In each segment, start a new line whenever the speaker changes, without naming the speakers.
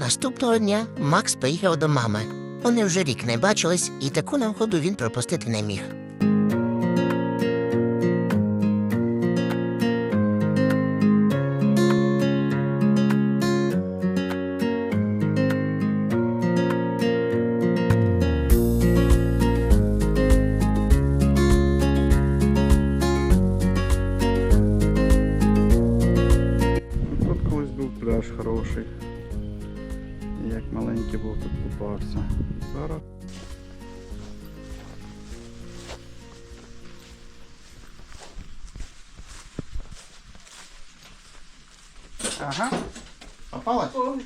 Наступного дня Макс поїхав до мами. Вони вже рік не бачились, і таку нагоду він пропустити не міг.
Тут колись був пляж хороший. Як маленький був, тут купався. Зараз ага. Попалась?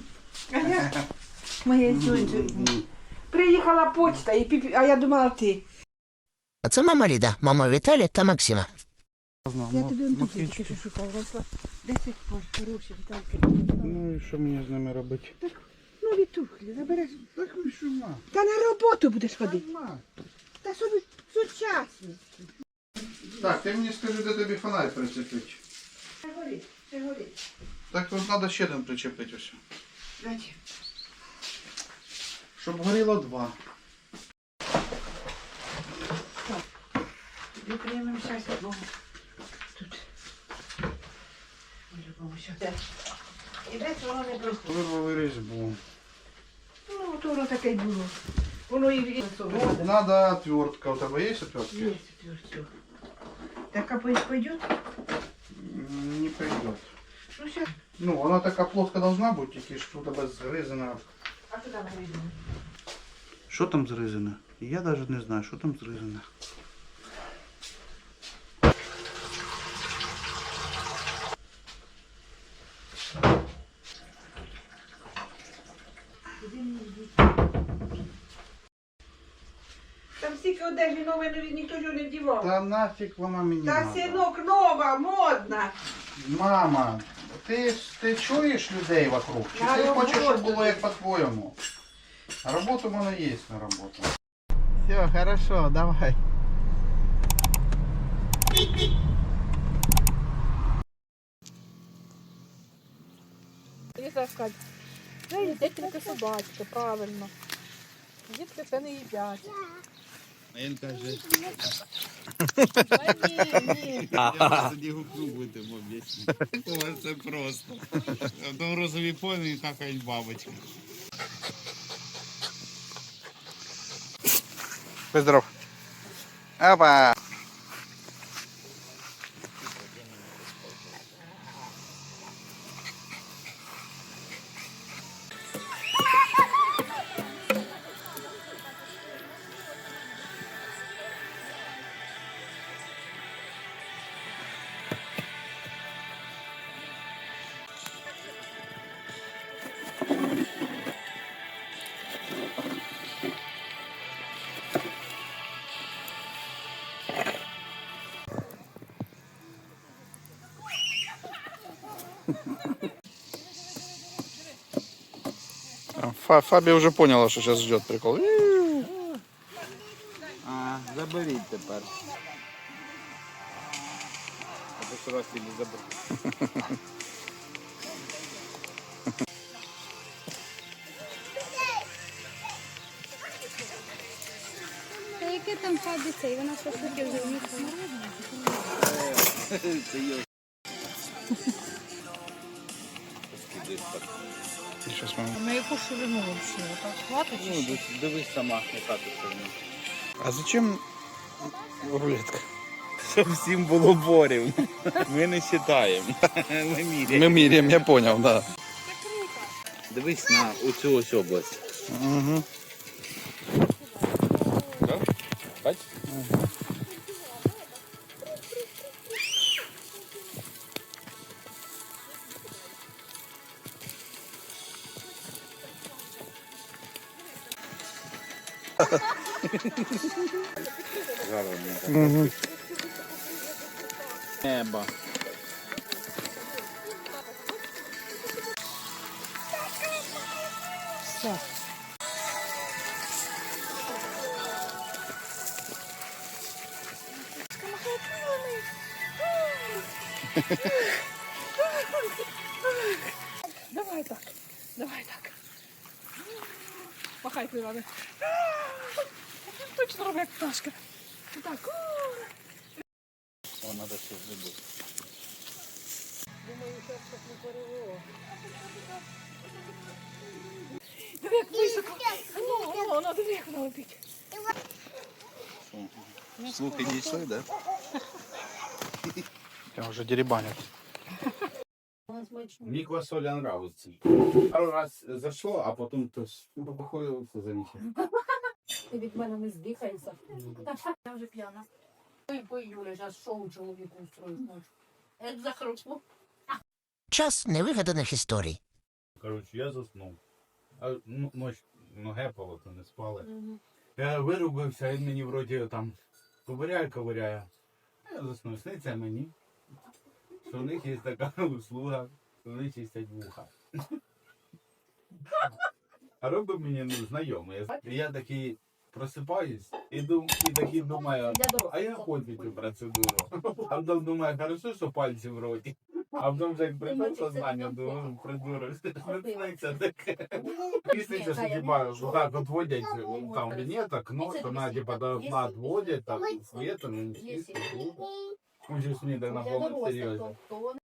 Моя тьотя. Приїхала почта, а я думала ти.
А це мама Ліда, мама Віталія та Максима.
Я тобі он тільки що шукала. 10 пар хороші, Вітальки.
Ну і що мені з ними робити?
Ну відтухлі, забереш.
Так ви що, ма?
Та на роботу будеш ходити.
Ма.
Та собі сучасні.
Так, ти мені скажи, де тобі фонарь причепити.
Ще горить, ще горить.
Так тут треба ще один причепити ось.
Зачем?
Щоб горіло два.
Ми приймемо щастя Богу. Тут. По-любому сюди. І десь воно не просто.
Вирвали різьбу.
Ну, то воно таке й було. Воно і
Надо отвертка. У тебе є отвертки?
Є отвертка. Так, а пойдет?
Не пойдет.
Ну, сейчас.
Ну, вона така плоска должна бути, тільки ж у тебе згризана.
А куди ми йдемо?
Що там зрізане? Я навіть не знаю, що там зрізане.
Там стільки одежі нової, ніхто ж не вдівав.
Та нафіг вона мені
Та
надо.
синок, нова, модна.
Мама, ти чуєш людей вокруг? Чи
На
ти хочеш, щоб
роботу.
було як по-твоєму? На роботу в мене є на роботу. Все, хорошо, давай.
Ліза сказати, це їдять тільки собачки, правильно. Дітки це не їдять.
Він каже,
Ні.
Тоді гукну будемо об'яснити. У вас це просто. Там розові поні какають бабочки.
будь здоров. Опа. Фаби уже поняла, что сейчас ждет прикол.
А, заберіть тепер. А то що раз не заберіть.
Та яке там фабі цей? Вона що таке вже вміхала.
Це йо.
Сейчас мама.
На яку ширину взагалі? Так хватить?
Ну, дивись сама, яка тут сьогодні.
А зачем рулетка?
Щоб всім було борів. Ми не вважаємо. Ми міряємо.
Мы мирим, я понял, да.
Дивись на оцю ось область.
Угу.
Бач?
Угу.
Небо.
Все. Давай так. Давай так. Махай крилами. Точно робить як пташка. Так.
О, треба ще зробити.
Думаю, зараз так не перевело. Диви, як високо. Воно, диви, як воно летить.
Слухи дійшли, да? Я вже дерибанять.
Мені квасоля нравиться. Пару раз зашло, а потім то походу все замічає.
Ти від мене не здихаєшся. Я вже п'яна. Пий, Юля, зараз шоу чоловіку устроїть ночі. Як захрупну.
Час невигаданих історій.
Коротше, я заснув. А ночь гепало, то не спали. Я вирубився, він мені вроді там ковиряє. А я заснув. Сниться мені, що в них є така услуга, що вони чистять вуха. А робить мені знайомий. І я такий просипаюсь і такий думаю, а я хочу цю процедуру. А потім думаю, хорошо, що пальці в роті. А потім вже як прийшов сознання, думаю, придурок, сниться таке. І сниться, що типа, так отводять там вінеток, нос, вона типа до окна отводять, так, світом, і сниться. Уже мені так на повну серйозно.